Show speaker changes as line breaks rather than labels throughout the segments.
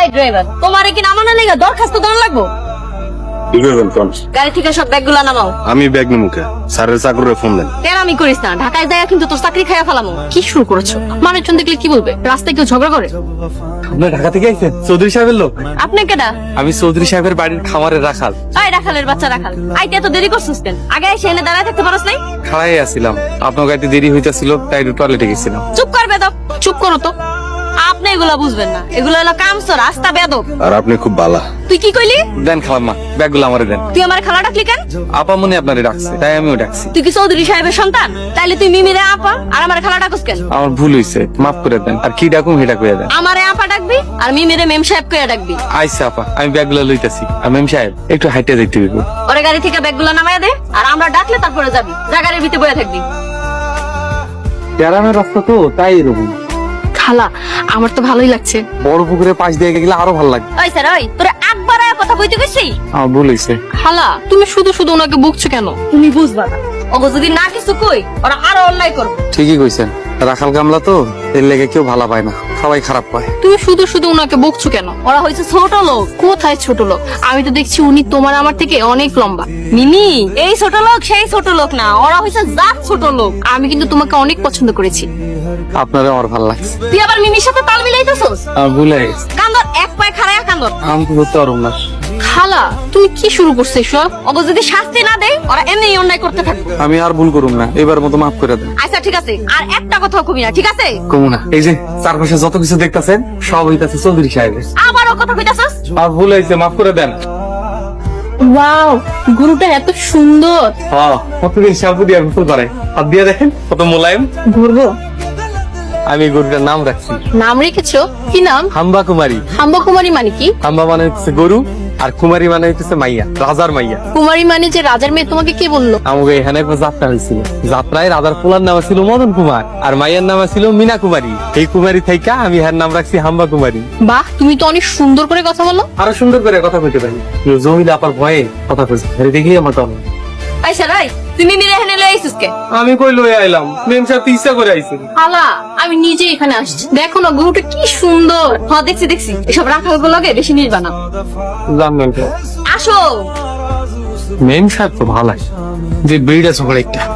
Driver, তোমারে কি নামানো লেগে দরখাস্ত দেওয়া লাগবো?
কি করবেন কোন?
গাড়ি থেকে সব ব্যাগগুলা নামাও।
আমি ব্যাগ নিমুকে স্যারের চাকরে ফোন দেন।
কেন আমি করিস না? ঢাকায় যায় কিন্তু তোর চাকরি খাইয়া ফেলামো।
কি শুরু করেছো? মানুষজন দেখলে কি বলবে? রাস্তায় কেউ ঝগড়া করে?
আপনার ঢাকা থেকে আইছেন? চৌধুরী সাহেবের লোক?
আপনি কেডা?
আমি চৌধুরী সাহেবের বাড়ির খামারে রাখাল।
ওই রাখালের বাচ্চা রাখাল, আইতে এত দেরি করছিস কেন? আগে এসে এনে দাঁড়ায় থাকতে পারস নাই?
খাড়াই আসছিলাম, আপনার গাড়িতে দেরি হইতাছিল তাই টয়লেটে গেছিলাম।
চুপ কর বেদব, চুপ করো তো। আপনি এগুলা বুঝবেন না, এগুলো হলো কামসো রাস্তা বেদব।
আর আপনি খুব বালা।
তুই কি কইলি?
দেন খালাম্মা, ব্যাগগুলো আমারে দেন।
তুই আমার খালা ডাকলি কেন?
আপা মনে আপনারে ডাকছে তাই আমিও ডাকছি।
তুই কি চৌধুরী সাহেবের সন্তান? তাইলে তুই মিমিরে আপা আর আমার খালা ডাকস কেন?
আমার ভুল হইছে, মাফ করে দেন। আর কি ডাকুম সেটা কইয়া দেন।
আমারে আপা ডাকবি আর মিমিরে মেম সাহেব কইয়া ডাকবি।
আইসা আপা, আমি ব্যাগগুলো লইতাছি। আর মেম সাহেব একটু হাইটে যাইতে হইব।
ওরে গাড়ি থেকে ব্যাগগুলো নামাইয়া দে, আর আমরা ডাকলে তারপরে যাবি। যা গাড়ির ভিতরে বসে থাকবি।
গ্রামের রাস্তা তো তাই এরকম।
খালা, আমার তো ভালোই লাগছে।
বড় পুকুরের পাশ দিয়ে গেলে আরো ভালো লাগবে।
ওই স্যার, ওই তোরে একবার কথা কইতে কইছি?
আমার ভুল হইছে।
খালা, তুমি শুধু শুধু ওনাকে বকছো কেন?
তুমি বুঝবা না, ওগো যদি না কিছু কই ওরা আরো অন্যায় করবে।
ঠিকই কইছেন, রাখাল গামলা তো এর লেগে কেউ ভালো পায় না, সবাই খারাপ পায়।
তুমি শুধু শুধু ওনাকে বকছো কেন?
ওরা হইছে ছোট লোক।
কোথায় ছোট লোক? আমি তো দেখছি উনি তোমার আমার থেকে অনেক লম্বা।
মিমি এই ছোট লোক সেই ছোট লোক না, ওরা হইছে জাত ছোট লোক।
আমি কিন্তু তোমাকে অনেক পছন্দ করেছি।
আপনারা আমার ভালো লাগছে।
তুই আবার মিমির সাথে তাল মিলাইতেছস?
আমার ভুল হয়ে গেছে।
কান্দর এক পায়ে খাড়ায়া কান্দর।
আমি তো ধরতে পারবো না।
খালা, তুমি কি শুরু করছো এসব?
ওগো যদি শাস্তি না দেয় ওরা এমনি অন্যায় করতে থাকবে।
আমি আর ভুল করুম না, এবার মতো মাফ করে দেন।
আচ্ছা ঠিক আছে, আর একটা কথাও কবি না, ঠিক আছে?
কমু না। এই যে চারপাশে যত কিছু দেখতাছেন সব হইতাছে চৌধুরী সাহেবের।
আবারও কথা কইতাছস?
আর ভুল হয়েছে, মাফ করে দেন।
ওয়াও, গরুটা এত সুন্দর।
হ্যাঁ, কতদিন শ্যাম্পু দিয়ে গোসল করে, হাত দিয়ে দেখেন কত মোলায়েম।
ঘুরবো?
আমি এই গরুটার নাম রাখছি
নাম রেখেছো? কি নাম?
হাম্বা কুমারী।
হাম্বা কুমারী মানে কি?
হাম্বা মানে হচ্ছে গরু, আর কুমারী মানে হচ্ছে মাইয়া, রাজার মাইয়া।
কুমারী মানে যে রাজার মেয়ে, তোমাকে কে বললো?
আমাকে এখানে একটা যাত্রা হয়েছিল। যাত্রায় রাজার পোলার নাম ছিল মদন কুমার, আর মাইয়ার নাম ছিল মিনা কুমারী। এই কুমারী থাইকা আমি এর নাম রাখছি হাম্বা কুমারী।
বাহ, তুমি তো অনেক সুন্দর করে কথা বলো।
আরো সুন্দর করে কথা কইতে পারি, জমিলে আপার ভয়ে কথা কইছে, দেখি আমার তো
এই স্যার, এই তুই মিমিরে এখানে লই আইছিস কে?
আমি কই লই আইলাম, মেম সাহেব ইচ্ছা করে আইছে।
খালা, আমি নিজে এখানে আসছি। দেখো না গরুটা কি সুন্দর।
হ্যাঁ দেখছি দেখছি, এসব রাখাল গুলোকে বেশি নির্বা না।
জানবেন তো
আসো।
মেম সাহেব তো ভালো যে ব্রিড আছে বড় একটা।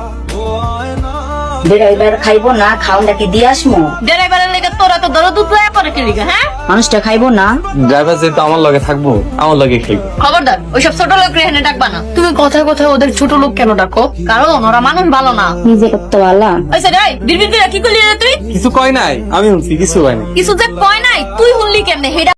ড্রাইভার খাইবো না, খাওয়াটা দিয়ে আসমু।
ড্রাইভারের লেগে তোরা তো দরদ উতলায় পড়ে কে লিগা? হ্যাঁ,
মানুষটা খাইবো না।
ড্রাইভার যেহেতু আমার লগে থাকবো, আমার লগে খাইবো।
খবরদার ওইসব ছোট লোক এখানে ডাকবা না।
তুমি কথায় কথায় ওদের ছোট লোক কেন ডাকো?
কারণ ওরা মানুষ ভালো না।
নিজে করতে পারলা।
ওই স্যার, এই বিড়বিড় করে কি করলি রে তুই?
কিছু কয় নাই, আমি শুনছি কিছু কয় নাই।
কিছু যে কয় নাই তুই শুনলি কেমনে? হেডা